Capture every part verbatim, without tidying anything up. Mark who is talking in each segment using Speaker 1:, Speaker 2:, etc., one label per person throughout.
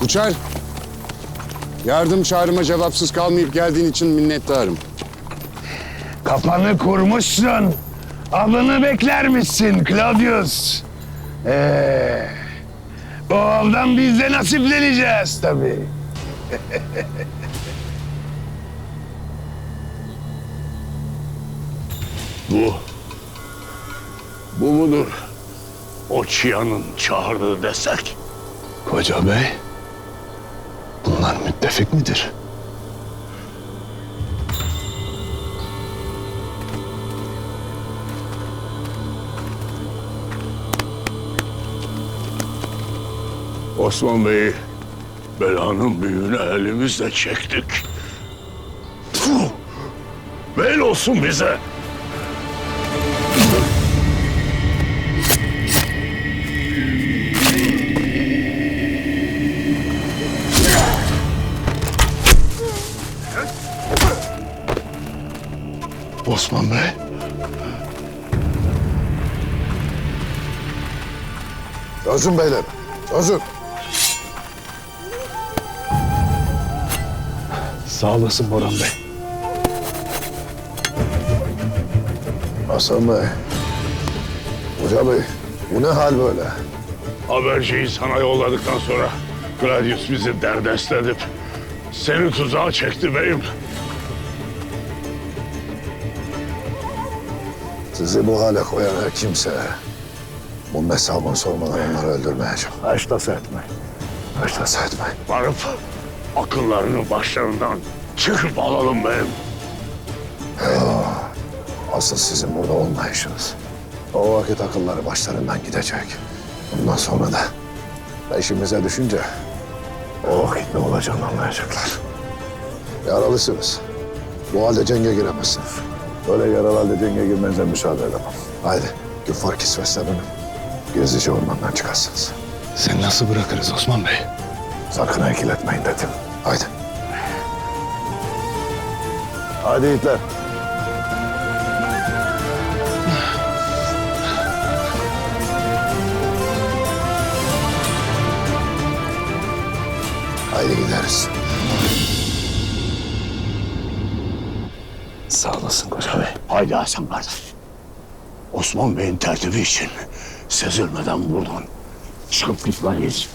Speaker 1: Uçar. Yardım çağrıma cevapsız kalmayıp geldiğin için minnettarım.
Speaker 2: Kafanı kurmuşsun. Avını beklermişsin Claudius. Ee, o avdan biz de nasipleneceğiz tabii.
Speaker 3: Bu, bu mudur o Çiyan'ın çağırdığı destek?
Speaker 2: Koca bey, bunlar müttefik midir?
Speaker 3: Osman Bey'i belanın büyüğüne elimizle çektik. Puh! Bel olsun bize.
Speaker 2: Osman Bey.
Speaker 4: Çözün beyler, çözün.
Speaker 2: Sağ olasın Boran Bey.
Speaker 4: Hasan Bey, Hoca Bey, bu ne hal böyle?
Speaker 3: Haberciyi sana yolladıktan sonra Claudius bizi derdest edip seni tuzağa çekti beyim.
Speaker 4: Sizi bu hale koyan her kimse bunun hesabını sormadan onları öldürmeyeceğim.
Speaker 2: Haştası etmeyin.
Speaker 4: Haştası etmeyin.
Speaker 3: Varıp akıllarını başlarından çıkıp alalım beyim.
Speaker 4: Asıl sizin burada olmayışınız. O vakit akılları başlarından gidecek. Bundan sonra da peşimize düşünce o vakit ne olacağını anlayacaklar. Yaralısınız. Bu halde cenge giremezsiniz. Böyle yaralı halde cenge girmenize müsaade edemem. Haydi küffar kisveslerini gizlice ormandan çıkarsınız.
Speaker 2: Sen nasıl bırakırız Osman Bey?
Speaker 4: Sakın ikiletmeyin dedim. Haydi. Haydi yiğitler. Haydi gideriz.
Speaker 2: Sağ olasın Koca Bey.
Speaker 3: Haydi Hasan kardeş. Osman Bey'in tertibi için sezilmeden buradan çıkıp gitmeliyiz.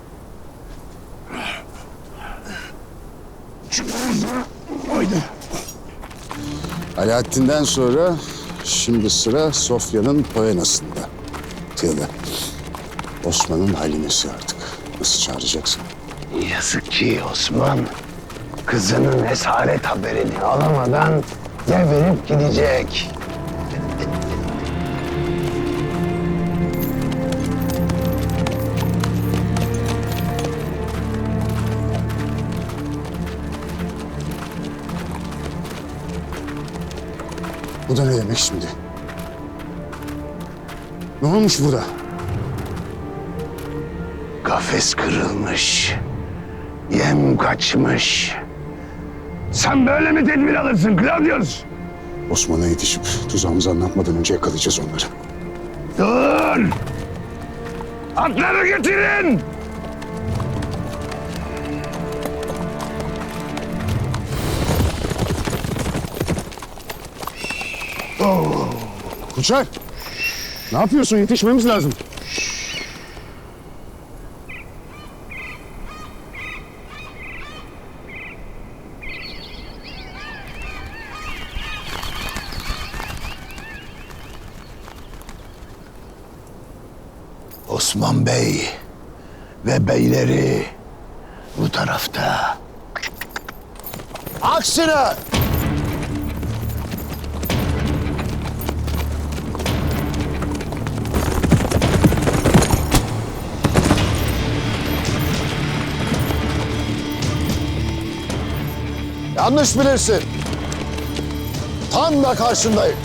Speaker 3: Haydi.
Speaker 1: Alaaddin'den sonra şimdi sıra Sofya'nın Poenas'ında. Tilda. Osman'ın halimesi artık. Nasıl çağıracaksın?
Speaker 2: Yazık ki Osman kızının esaret haberini alamadan devirip gidecek.
Speaker 1: Bu da ne demek şimdi? Ne olmuş burada?
Speaker 2: Kafes kırılmış. Yem kaçmış. Sen böyle mi tedbir alırsın Claudius?
Speaker 1: Osman'a yetişip tuzağımızı anlatmadan önce yakalayacağız onları.
Speaker 2: Dur! Atları getirin!
Speaker 1: Uçar! Ne yapıyorsun? Yetişmemiz lazım.
Speaker 2: Osman Bey ve beyleri bu tarafta.
Speaker 4: Aksine! Yanlış bilirsin. Tam da karşındayım.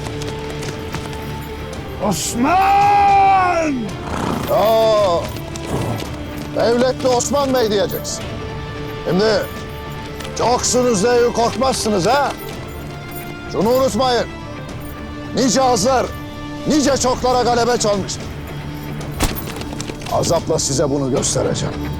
Speaker 2: Osman!
Speaker 4: Oo, devletli Osman Bey diyeceksin. Şimdi çoksunuz diye korkmazsınız ha? Şunu unutmayın. Nice azlar, nice çoklara galebe çalmıştır. Azapla size bunu göstereceğim.